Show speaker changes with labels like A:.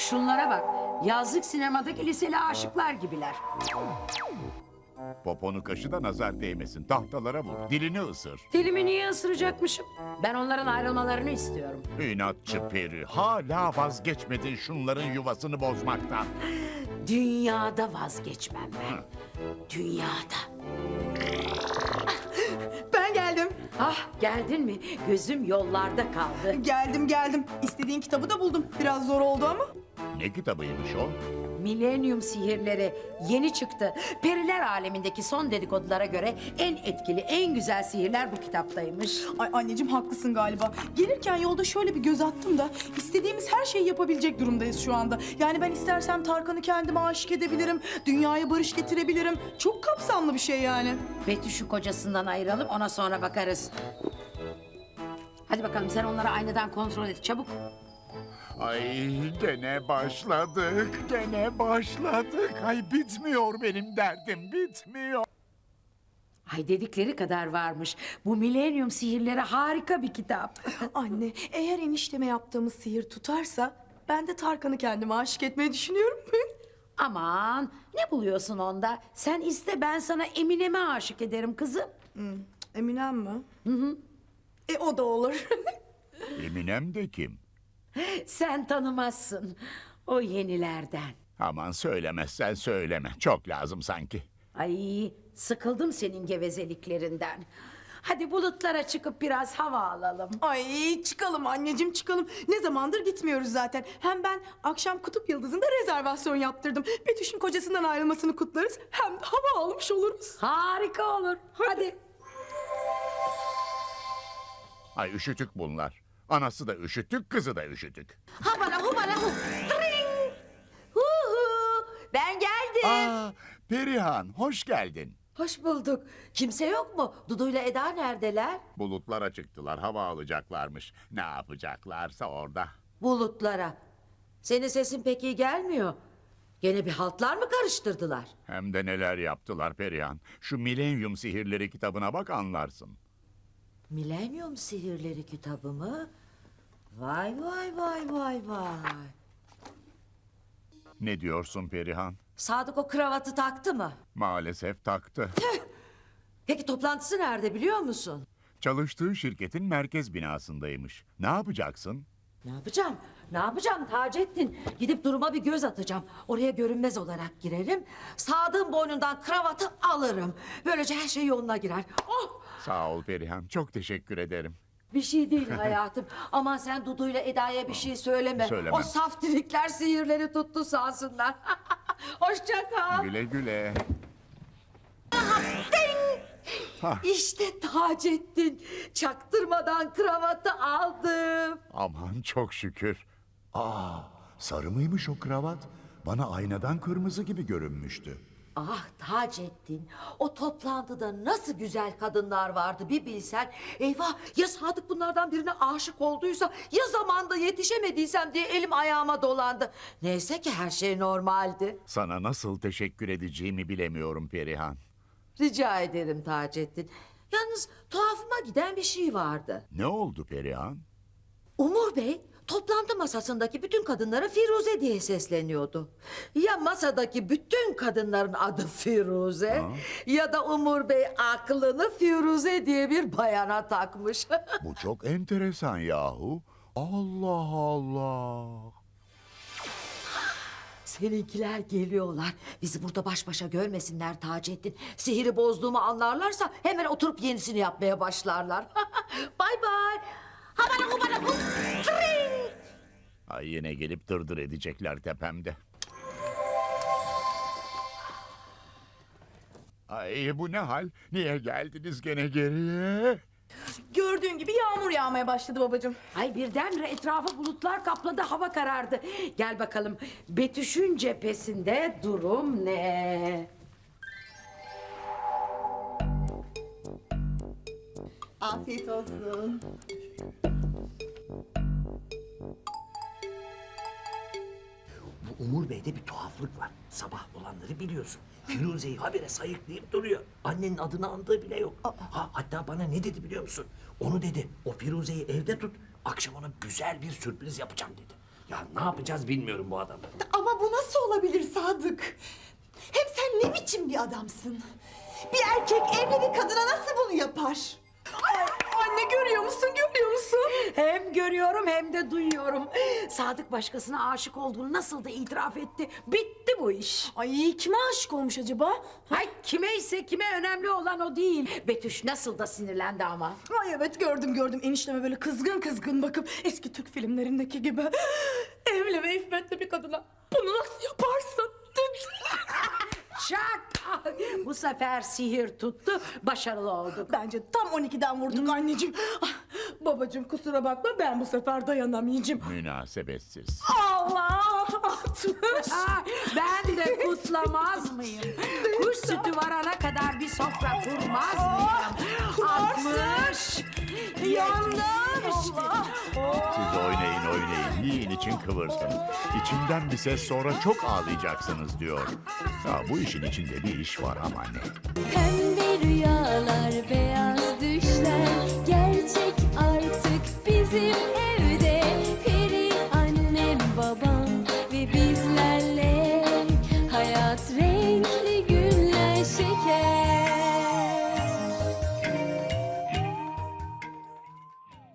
A: Şunlara bak. Yazlık sinemadaki liseli aşıklar gibiler.
B: Poponu kaşı da nazar değmesin. Tahtalara vur. Dilini ısır.
A: Dilimi niye ısıracakmışım? Ben onların ayrılmalarını istiyorum.
B: İnatçı peri. Hala vazgeçmedin şunların yuvasını bozmaktan.
A: Dünyada vazgeçmem ben. Dünyada.
C: Ben geldim.
A: Ah geldin mi? Gözüm yollarda kaldı.
C: Geldim. İstediğin kitabı da buldum. Biraz zor oldu ama.
B: Ne kitabıymış o?
A: Milenyum sihirleri yeni çıktı. Periler alemindeki son dedikodulara göre en etkili, en güzel sihirler bu kitaptaymış.
C: Ay anneciğim haklısın galiba. Gelirken yolda şöyle bir göz attım da istediğimiz her şeyi yapabilecek durumdayız şu anda. Yani ben istersem Tarkan'ı kendime aşık edebilirim. Dünyaya barış getirebilirim. Çok kapsamlı bir şey yani.
A: Betüş'ü kocasından ayıralım, ona sonra bakarız. Hadi bakalım sen onları aynadan kontrol et çabuk.
B: Ay gene başladık. Ay bitmiyor benim derdim. Bitmiyor.
A: Ay dedikleri kadar varmış. Bu milenyum sihirleri harika bir kitap.
C: Anne eğer enişteme yaptığımız sihir tutarsa ben de Tarkan'ı kendime aşık etmeyi düşünüyorum.
A: Aman ne buluyorsun onda? Sen iste ben sana Eminem'e aşık ederim kızım.
C: Eminem mi? Hı. O da olur.
B: Eminem de kim?
A: Sen tanımazsın. O yenilerden.
B: Aman söylemezsen söyleme. Çok lazım sanki.
A: Ay sıkıldım senin gevezeliklerinden. Hadi bulutlara çıkıp biraz hava alalım.
C: Ay çıkalım anneciğim çıkalım. Ne zamandır gitmiyoruz zaten. Hem ben akşam Kutup Yıldızı'nda rezervasyon yaptırdım. Betüş'ün kocasından ayrılmasını kutlarız. Hem de hava almış oluruz.
A: Harika olur. Hadi.
B: Ay üşütük bunlar. Anası da üşütük, kızı da üşütük.
A: Habala hubala hu. Tring. Hu hu. Ben geldim.
B: Aa, Perihan, hoş geldin.
D: Hoş bulduk. Kimse yok mu? Dudu'yla Eda neredeler?
B: Bulutlara çıktılar, hava alacaklarmış. Ne yapacaklarsa orada.
D: Bulutlara. Senin sesin pek iyi gelmiyor. Gene bir haltlar mı karıştırdılar?
B: Hem de neler yaptılar Perihan. Şu Milenyum Sihirleri kitabına bak anlarsın.
D: Milenyum Sihirleri kitabı mı? Vay.
B: Ne diyorsun Perihan?
D: Sadık o kravatı taktı mı?
B: Maalesef taktı.
D: Peki toplantısı nerede biliyor musun?
B: Çalıştığı şirketin merkez binasındaymış. Ne yapacaksın?
D: Ne yapacağım Taceddin? Gidip duruma bir göz atacağım. Oraya görünmez olarak girerim. Sadık'ın boynundan kravatı alırım. Böylece her şey yoluna girer. Oh!
B: Sağ ol Perihan, çok teşekkür ederim.
D: Bir şey değil hayatım. Aman sen Dudu'yla Eda'ya bir şey söyleme.
B: Söylemem.
D: O saftirikler sihirleri tuttu sansınlar. Hoşça kal.
B: Güle güle.
D: İşte Taceddin. Çaktırmadan kravatı aldım.
B: Aman çok şükür. Aa, sarı mıymış o kravat? Bana aynadan kırmızı gibi görünmüştü.
D: Ah Taceddin, o toplantıda nasıl güzel kadınlar vardı bir bilsen. Eyvah ya Sadık bunlardan birine aşık olduysa ya zamanda yetişemediysem diye elim ayağıma dolandı. Neyse ki her şey normaldi.
B: Sana nasıl teşekkür edeceğimi bilemiyorum Perihan.
D: Rica ederim Taceddin. Yalnız tuhafıma giden bir şey vardı.
B: Ne oldu Perihan?
D: Umur Bey toplantı masasındaki bütün kadınlara Firuze diye sesleniyordu. Ya masadaki bütün kadınların adı Firuze ya da Umur Bey aklını Firuze diye bir bayana takmış.
B: Bu çok enteresan yahu. Allah Allah.
D: Seninkiler geliyorlar. Bizi burada baş başa görmesinler Taceddin. Sihiri bozduğumu anlarlarsa hemen oturup yenisini yapmaya başlarlar. Bay bay. Habara hubara hub. Tring.
B: Ay yine gelip dırdır edecekler tepemde. Ay bu ne hal? Niye geldiniz gene geriye?
C: Gördüğün gibi yağmur yağmaya başladı babacığım.
A: Ay birdenbire etrafı bulutlar kapladı, hava karardı. Gel bakalım Betüş'ün cephesinde durum ne?
C: Afiyet olsun.
E: Bu Umur Bey'de bir tuhaflık var. Sabah olanları biliyorsun. Firuze'yi habire sayıklayıp duruyor. Annenin adını andığı bile yok. Hatta bana ne dedi biliyor musun? Onu dedi, o Firuze'yi evde tut, akşam ona güzel bir sürpriz yapacağım dedi. Ya ne yapacağız bilmiyorum bu adamı.
C: Ama bu nasıl olabilir Sadık? Hem sen ne biçim bir adamsın? Bir erkek evli bir kadına nasıl bunu yapar? Anne görüyor musun, görüyor musun?
A: Hem görüyorum hem de duyuyorum. Sadık başkasına aşık olduğunu nasıl da itiraf etti. Bitti bu iş.
C: Ay kime aşık olmuş acaba?
A: Hay kime ise kime önemli olan o değil. Betüş nasıl da sinirlendi ama.
C: Ay evet gördüm. Enişteme böyle kızgın bakıp eski Türk filmlerindeki gibi. Evli ve iffetli bir kadına bunu nasıl yaparsın?
A: Şak! Bu sefer sihir tuttu, başarılı olduk.
C: Bence tam 12'den vurduk anneciğim. Ah, babacığım kusura bakma ben bu sefer dayanamayacağım.
B: Münasebetsiz.
C: Allah! 60!
A: Ben de kutlamaz mıyım? Kuş sütü varana kadar bir sofra kurmaz mıyım? 60!
C: Yandım! Allah!
B: Siz oynayın, yiyin için kıvırsın. İçimden bir ses sonra çok ağlayacaksınız diyor. Ya bu işin içinde bir iş var ama ne?
F: Pembe rüyalar, beyaz düşler gerçek artık bizim evde. Peri annem, babam ve bizlerle hayat